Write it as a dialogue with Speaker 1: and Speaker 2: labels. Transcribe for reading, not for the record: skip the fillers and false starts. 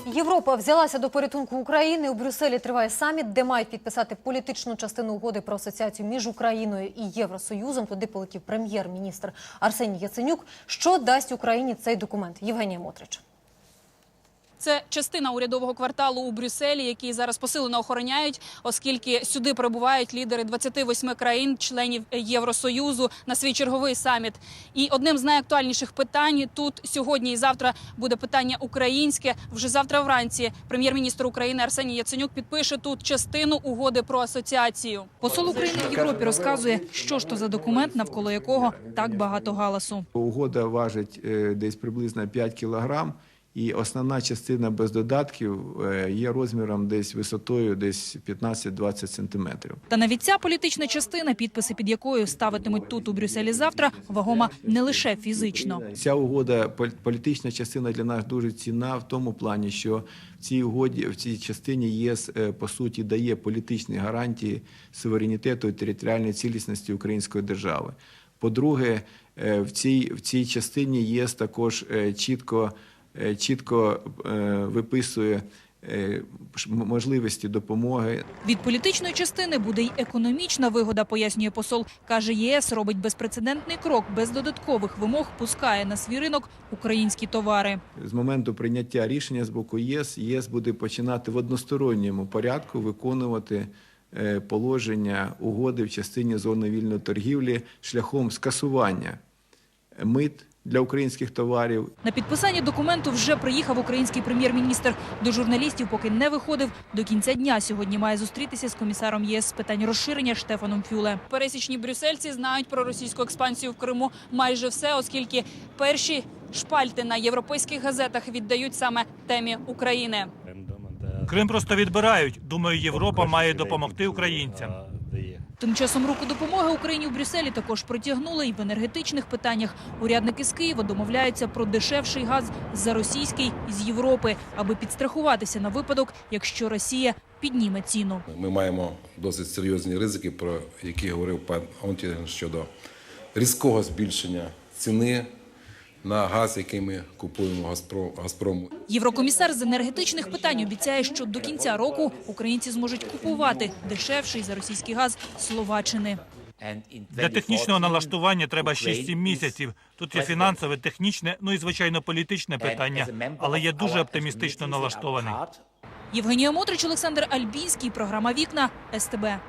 Speaker 1: Європа взялася до порятунку України. У Брюсселі триває саміт, де мають підписати політичну частину угоди про асоціацію між Україною і Євросоюзом. Туди полетів прем'єр-міністр Арсеній Яценюк. Що дасть Україні цей документ? Євгенія Мотрич.
Speaker 2: Це частина урядового кварталу у Брюсселі, який зараз посилено охороняють, оскільки сюди прибувають лідери 28 країн-членів Євросоюзу на свій черговий саміт. І одним з найактуальніших питань тут сьогодні і завтра буде питання українське. Вже завтра вранці прем'єр-міністр України Арсеній Яценюк підпише тут частину угоди про асоціацію. Посол України в Європі розказує, що ж то за документ, навколо якого так багато галасу.
Speaker 3: Угода важить десь приблизно 5 кілограм. І основна частина без додатків є розміром десь висотою десь 15-20 сантиметрів.
Speaker 2: Та навіть ця політична частина, підписи під якою ставитимуть тут у Брюсселі завтра, вагома не лише фізично.
Speaker 3: Ця угода, політична частина для нас дуже цінна в тому плані, що в цій угоді, в цій частині ЄС, по суті, дає політичні гарантії суверенітету і територіальної цілісності української держави. По-друге, в цій частині ЄС також чітко виписує можливості допомоги.
Speaker 2: Від політичної частини буде й економічна вигода, пояснює посол. Каже, ЄС робить безпрецедентний крок, без додаткових вимог пускає на свій ринок українські товари.
Speaker 3: З моменту прийняття рішення з боку ЄС буде починати в односторонньому порядку виконувати положення угоди в частині зони вільної торгівлі шляхом скасування мит для українських товарів.
Speaker 2: На підписання документу вже приїхав український прем'єр-міністр. До журналістів поки не виходив. До кінця дня сьогодні має зустрітися з комісаром ЄС з питань розширення Штефаном Фюле. Пересічні брюссельці знають про російську експансію в Криму майже все, оскільки перші шпальти на європейських газетах віддають саме темі України.
Speaker 4: Крим просто відбирають. Думаю, Європа має допомогти українцям.
Speaker 2: Тим часом руку допомоги Україні в Брюсселі також протягнули і в енергетичних питаннях. Урядники з Києва домовляються про дешевший газ за російський із Європи, аби підстрахуватися на випадок, якщо Росія підніме ціну.
Speaker 5: Ми маємо досить серйозні ризики, про які говорив пан Онтінген, щодо різкого збільшення ціни на газ, який ми купуємо Газпрому.
Speaker 2: Єврокомісар з енергетичних питань обіцяє, що до кінця року українці зможуть купувати дешевший за російський газ Словаччини.
Speaker 4: Для технічного налаштування треба 6-7 місяців. Тут є фінансове, технічне, ну і, звичайно, політичне питання. Але я дуже оптимістично налаштований.
Speaker 2: Євгенія Мотрич, Олександр Альбінський, програма «Вікна», СТБ.